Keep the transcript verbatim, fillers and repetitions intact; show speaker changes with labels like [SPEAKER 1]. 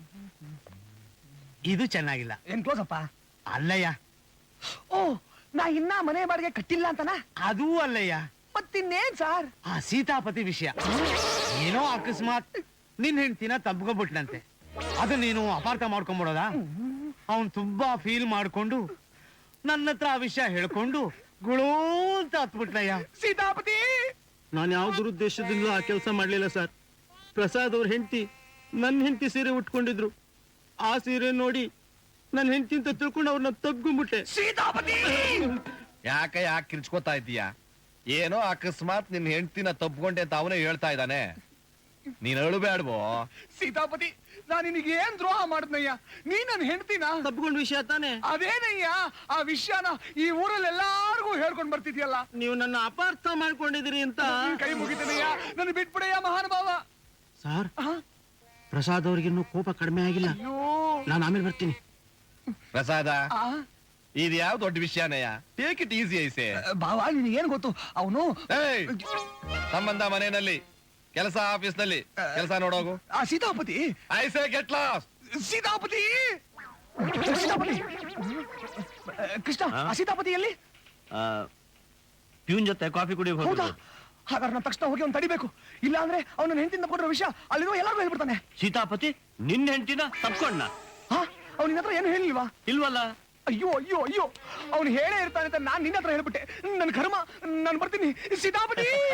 [SPEAKER 1] ಇದು ಚೆನ್ನಾಗಿಲ್ಲ.
[SPEAKER 2] ಏನ್ ಕ್ಲೋಸ್ ಅಪ್ಪ?
[SPEAKER 1] ಅಲ್ಲಯ್ಯ.
[SPEAKER 2] ಓ, ನಾ ಇನ್ನ ಮನೆ ಬಾಡಿಗೆ ಕಟ್ಟಿಲ್ಲ ಅಂತನಾ?
[SPEAKER 1] ಅದೂ ಅಲ್ಲಯ್ಯ.
[SPEAKER 2] ಮತ್ತಿನ್ನೇನ್ ಸಾರ್?
[SPEAKER 1] ಆ ಸೀತಾಪತಿ ವಿಷಯ. ಏನೋ ಅಕಸ್ಮಾತ್ ನಿನ್ ಹೆಂಡ್ತಿನ ತಬ್ಕೊಬಿಟ್ನಂತೆ. ಅದು ನೀನು ಅಪಾರ್ಥ ಮಾಡ್ಕೊಂಡ್ಬಿಡೋದ? ಅವನ್ ತುಂಬಾ ಫೀಲ್ ಮಾಡ್ಕೊಂಡು ನನ್ನ ಹತ್ರ ಆ ವಿಷಯ ಹೇಳ್ಕೊಂಡು ಗುಳೋ ಅಂತ ಹತ್ಬಿಟ್ನಯ್ಯ.
[SPEAKER 2] ಸೀತಾಪತಿ,
[SPEAKER 3] ನಾನು ಯಾವ ದುರುದ್ದೇಶದಿಂದ ಆ ಕೆಲಸ ಮಾಡ್ಲಿಲ್ಲ ಸರ್. ಪ್ರಸಾದ್ ಅವ್ರ ಹೆಂಡತಿ ನನ್ನ ಹೆಂಡತಿ ಸೀರೆ ಉಟ್ಕೊಂಡಿದ್ರು. ಆ ಸೀರೆ ನೋಡಿ ನನ್ನ ಹೆಂಡತಿ ಅಂತ ತಿಳ್ಕೊಂಡು ಅವ್ರನ್ನ ತಬ್ಕೊಂಡ್ಬಿಟ್ಟೆ.
[SPEAKER 2] ಸೀತಾಪತಿ,
[SPEAKER 4] ಯಾಕೆ ಯಾಕೆ ಕಿರ್ಚ್ಕೋತಾ ಇದ್ದೀಯಾ? ಏನೋ ಅಕಸ್ಮಾತ್ ನಿನ್ ಹೆಂಡ್ತಿನ ತಪ್ಕೊಂಡೆ ಅಂತ ಅವನೇ ಹೇಳ್ತಾ ಇದ್ದಾನೆ. ನೀನ್ ಅಳುಬೇಡ್ಬೋ.
[SPEAKER 2] ಸೀತಾಪತಿ, ನಾನು ನಿನಗೆ ಏನ್ ದ್ರೋಹ ಮಾಡಿದ್ನಯ್ಯ? ನೀ ನನ್ನ ಹೆಂಡ್ತಿನ
[SPEAKER 3] ತಬ್ಕೊಂಡ್ ವಿಷಯ ತಾನೆ?
[SPEAKER 2] ಅದೇನಯ್ಯ, ಆ ವಿಷಯನ ಈ ಊರಲ್ಲಿ ಎಲ್ಲಾರ್ಗೂ ಹೇಳ್ಕೊಂಡ್ ಬರ್ತಿದ್ಯಲ್ಲ.
[SPEAKER 3] ನೀವು ನನ್ನ ಅಪಾರ್ಥ ಮಾಡ್ಕೊಂಡಿದ್ದೀರಿ ಅಂತ.
[SPEAKER 2] ಕೈ ಮುಗಿತೇನಯ್ಯ, ನನ್ನ ಬಿಟ್ಬಿಡಯ್ಯ ಮಹಾನುಭಾವ.
[SPEAKER 3] ಸರ್, ಪ್ರಸಾದ್ ಅವ್ರಿಗಿನ್ನೂ ಕೋಪ ಕಡಿಮೆ ಆಗಿಲ್ಲ. ನಾನು ಆಮೇಲೆ ಬರ್ತೀನಿ.
[SPEAKER 4] ಪ್ರಸಾದ, ಇದು ಯಾವ ದೊಡ್ಡ ವಿಷಯನಯ್ಯ? Take it easy I say.
[SPEAKER 2] ಬಾವಾ, ನಿನಗೇನ್ ಗೊತ್ತು? ಅವನು
[SPEAKER 4] ಸಂಬಂಧ ಮನೆಯಲ್ಲಿ, ಕೆಲಸ ಆಫೀಸ್ ನಲ್ಲಿ ಕೆಲಸ ನೋಡೋಗು.
[SPEAKER 2] ಆ Sitapathi,
[SPEAKER 4] I say get lost.
[SPEAKER 2] Sitapathi, Sitapathi, Krishna, ಆ ಸೀತಾಪತಿ ಎಲ್ಲಿ?
[SPEAKER 3] ಪ್ಯೂನ್ ಜೊತೆ ಕಾಫಿ ಕುಡಿ.
[SPEAKER 2] ಹೌದಾ? ಹಾಗಾದ್ರೆ ನಾನು ತಕ್ಷಣ ಹೋಗಿ ಅವ್ನು ತಡಿಬೇಕು. ಇಲ್ಲ ಅಂದ್ರೆ ಅವನ ಹೆಂಡತಿಯಿಂದ ಕೊಟ್ಟಿರೋ ವಿಷಯ ಅಲ್ಲಿರೋ ಎಲ್ಲಾರ್ಗೂ ಹೇಳ್ಬಿಡ್ತಾನೆ.
[SPEAKER 3] ಸೀತಾಪತಿ ನಿನ್ನ ಹೆಂಡತಿನ ತಪ್ಕೊಂಡ?
[SPEAKER 2] ಹಾ, ಅವ್ನ ನಿನ್ನ ಹತ್ರ ಏನು ಹೇಳಿಲ್ವಾ?
[SPEAKER 3] ಇಲ್ವಲ್ಲ.
[SPEAKER 2] ಅಯ್ಯೋ ಅಯ್ಯೋ ಅಯ್ಯೋ, ಅವ್ನು ಹೇಳೇ ಇರ್ತಾನೆ ಅಂತ ನಾನ್ ನಿನ್ನ ಹತ್ರ ಹೇಳ್ಬಿಟ್ಟೆ. ನನ್ ಕರ್ಮ. ನಾನು ಬರ್ತೀನಿ ಸೀತಾಪತಿ.